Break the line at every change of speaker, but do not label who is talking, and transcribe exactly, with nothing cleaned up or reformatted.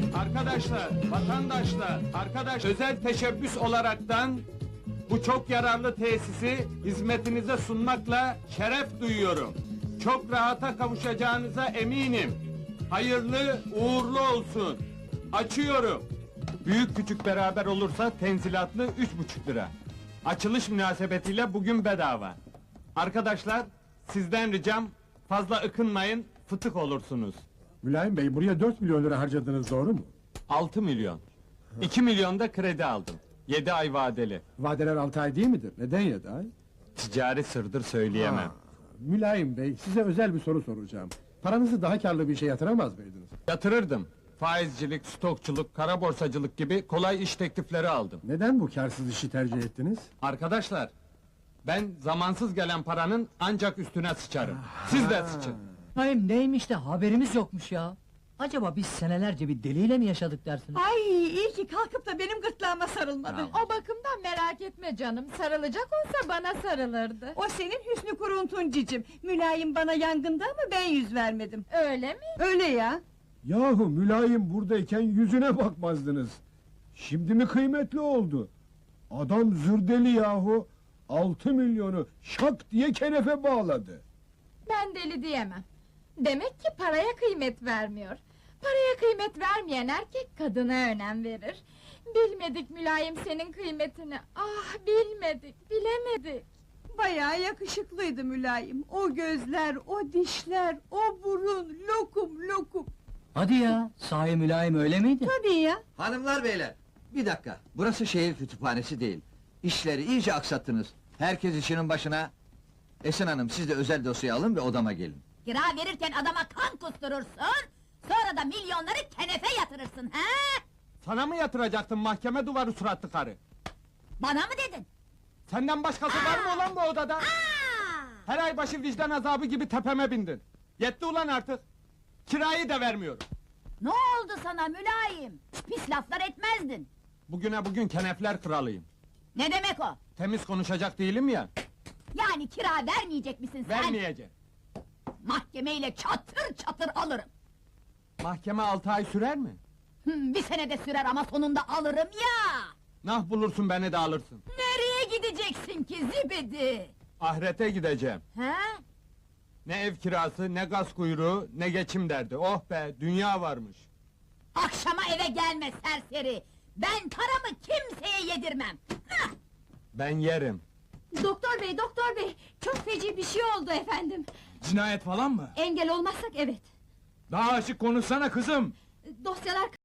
Arkadaşlar, vatandaşlar, arkadaş özel teşebbüs olaraktan bu çok yararlı tesisi hizmetinize sunmakla şeref duyuyorum. Çok rahata kavuşacağınıza eminim. Hayırlı, uğurlu olsun. Açıyorum. Büyük küçük beraber olursa tenzilatlı üç buçuk lira. Açılış münasebetiyle bugün bedava. Arkadaşlar, sizden ricam fazla ıkınmayın, fıtık olursunuz.
Mülayim Bey, buraya dört milyon lira harcadınız, doğru mu?
Altı milyon. İki milyon da kredi aldım. Yedi ay vadeli.
Vadeler altı ay değil midir? Neden yedi ay?
Ticari sırdır söyleyemem.
Ha, Mülayim Bey, size özel bir soru soracağım. Paranızı daha karlı bir işe yatıramaz mıydınız?
Yatırırdım. Faizcilik, stokçuluk, kara borsacılık gibi kolay iş teklifleri aldım.
Neden bu karsız işi tercih ettiniz?
Arkadaşlar, ben zamansız gelen paranın ancak üstüne sıçarım. Siz de sıçın.
Hayır neymiş de haberimiz yokmuş ya. Acaba biz senelerce bir deliyle mi yaşadık dersiniz?
Ay iyi ki kalkıp da benim gırtlağıma sarılmadı.
O bakımdan merak etme canım, sarılacak olsa bana sarılırdı.
O senin hüsnü kuruntun cicim. Mülayim bana yangında ama ben yüz vermedim.
Öyle mi?
Öyle ya.
Yahu mülayim buradayken yüzüne bakmazdınız. Şimdi mi kıymetli oldu? Adam zırdeli yahu. Altı milyonu şak diye kenefe bağladı.
Ben deli diyemem. Demek ki paraya kıymet vermiyor. Paraya kıymet vermeyen erkek kadına önem verir. Bilmedik mülayim senin kıymetini. Ah bilmedik, bilemedik.
Bayağı yakışıklıydı mülayim. O gözler, o dişler, o burun, lokum lokum.
Hadi ya, sahi mülayim öyle miydi?
Tabii ya.
Hanımlar beyler, bir dakika. Burası şehir kütüphanesi değil. İşleri iyice aksattınız. Herkes işinin başına. Esin Hanım, siz de özel dosya alın ve odama gelin.
Kira verirken adama kan kusturursun, sonra da milyonları kenefe yatırırsın, he?
Sana mı yatıracaktım mahkeme duvarı suratlı karı?
Bana mı dedin?
Senden başkası var mı ulan bu odada?
Aa!
Her ay başı vicdan azabı gibi tepeme bindin. Yetti ulan artık. Kirayı da vermiyorum.
Ne oldu sana mülayim? Pis laflar etmezdin.
Bugüne bugün kenefler kralıyım.
Ne demek o?
Temiz konuşacak değilim ya.
Yani kira vermeyecek misin sen?
Vermeyeceğim.
Mahkemeyle çatır çatır alırım.
Mahkeme altı ay sürer mi?
Hı, bir senede sürer ama sonunda alırım ya!
Nah bulursun beni de alırsın.
Nereye gideceksin ki zibidi?
Ahirete gideceğim.
He?
Ne ev kirası, ne gaz kuyruğu, ne geçim derdi. Oh be, dünya varmış.
Akşama eve gelme serseri! Ben paramı kimseye yedirmem! Hah!
Ben yerim.
Doktor bey, doktor bey. Çok feci bir şey oldu efendim.
Cinayet falan mı?
Engel olmazsak evet.
Daha açık konuşsana kızım.
Dosyalar